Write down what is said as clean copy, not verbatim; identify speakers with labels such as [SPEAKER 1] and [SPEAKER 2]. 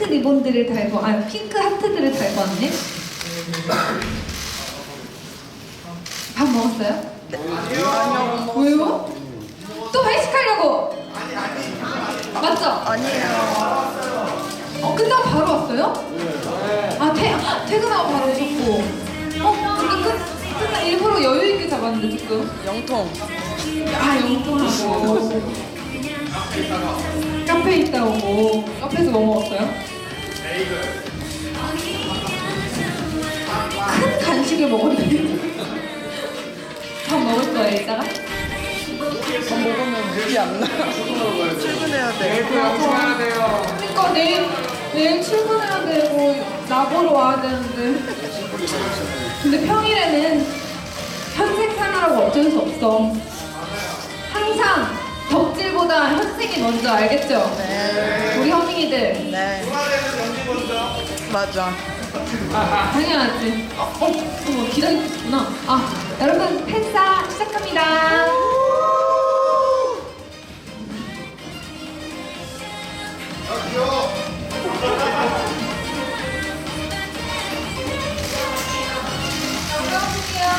[SPEAKER 1] 리본들을 달고, 핑크 하트들을 달고 왔네. 밥 먹었어요?
[SPEAKER 2] 아니요.
[SPEAKER 1] 왜요? 또 회식하려고? 맞죠?
[SPEAKER 2] 아니에요.
[SPEAKER 1] 끝나고 바로 왔어요? 퇴근하고 바로 오셨고. 지금 끝나 일부러 여유 있게 잡았는데 지금.
[SPEAKER 2] 영통.
[SPEAKER 1] 영통하고. 카페에 있다 오고. 카페에서 뭐 먹었어요? 큰 간식을 먹었는데. 밥 먹을 거예요 이따가?
[SPEAKER 2] 밥 먹으면 물이 안 나. 출근해야 돼.
[SPEAKER 1] 그러니까 내일 출근해야 되고 나보러 와야 되는데. 근데 평일에는 현생 생활하고 어쩔 수 없어. 항상 덕질보다 현생이 먼저, 알겠죠?
[SPEAKER 2] 네.
[SPEAKER 1] 우리 허밍이들.
[SPEAKER 2] 네. 맞아.
[SPEAKER 1] 당연하지. 어머, 기다리고 있구나. 여러분 팬싸 시작합니다.